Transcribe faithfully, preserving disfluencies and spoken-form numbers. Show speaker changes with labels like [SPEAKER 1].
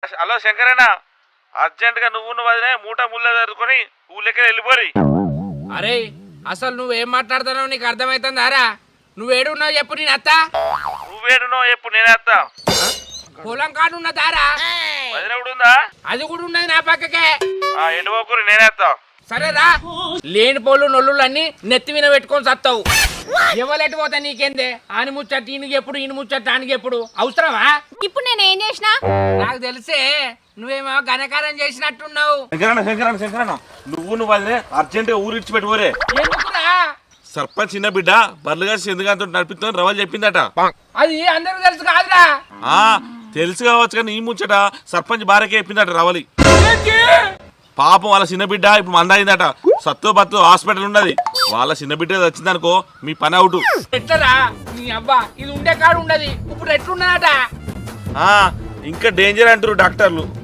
[SPEAKER 1] Hello శంకరన్న, urgent గా నువ్వు నువ్వు వదిలే మూట ముళ్ళ జరుపుకొని ఊళ్ళకి వెళ్ళిపోరి.
[SPEAKER 2] అరే అసలు నువ్వేం మాట్లాడుతున్నావు నీకు అర్థమవుతుందారా? నువ్వేడున్నావు చెప్పు, నేను అత్త.
[SPEAKER 1] నువ్వేడునో చెప్పు, నేనే వస్తా.
[SPEAKER 2] పొలం కాడు ఉన్నదారా?
[SPEAKER 1] వదిన కూడా ఉందా?
[SPEAKER 2] అది కూడా ఉన్నది నా పక్కకే.
[SPEAKER 1] ఎండిపోకూరి నేనే వస్తా.
[SPEAKER 2] సరేరా, లేని పోలు నొల్లు అన్ని నెత్తి మీద పెట్టుకొని సత్తావు. ఎవరెటు పోతా నీకేందే? ఆని ముచ్చట్టు ఈయనకి ఎప్పుడు, ఈయన ముచ్చట్టు ఆనికి ఎప్పుడు? అవసరమా?
[SPEAKER 3] ఇప్పుడు నేను ఏం చేసినా?
[SPEAKER 2] నాకు తెలిసే నువ్వేమో ఘనకారం చేసినట్టున్నావు.
[SPEAKER 1] శంకరన్న శంకరన్న శంకరన్న నువ్వు నువ్వు వదిలే అర్జెంట్ గా ఊరు ఇచ్చి పెట్టుకోరే.
[SPEAKER 2] ఎందుకురా?
[SPEAKER 1] సర్పంచ్ చిన్న బిడ్డ బర్లుగా ఎందుకంతో నడిపిస్తాను రవల్ చెప్పిందట.
[SPEAKER 2] అది అందరికి తెలుసు కాదురా?
[SPEAKER 1] ఆ తెలుసు కావచ్చు కానీ ఈ ముచ్చట సర్పంచ్ భార్యకే చెప్పిందట రవలి. పాపం వాళ్ళ చిన్న బిడ్డ ఇప్పుడు మందైందట. సత్తు బత్తు హాస్పిటల్ ఉన్నది. వాళ్ళ చిన్న బిడ్డ వచ్చిందనుకో మీ పని అవుట్.
[SPEAKER 2] ఎట్లరా నీ అబ్బా, ఇది ఉండే కాడు ఉండదు. ఇప్పుడు ఎట్లున్నదట?
[SPEAKER 1] ఇంకా డేంజర్ అంటారు డాక్టర్లు.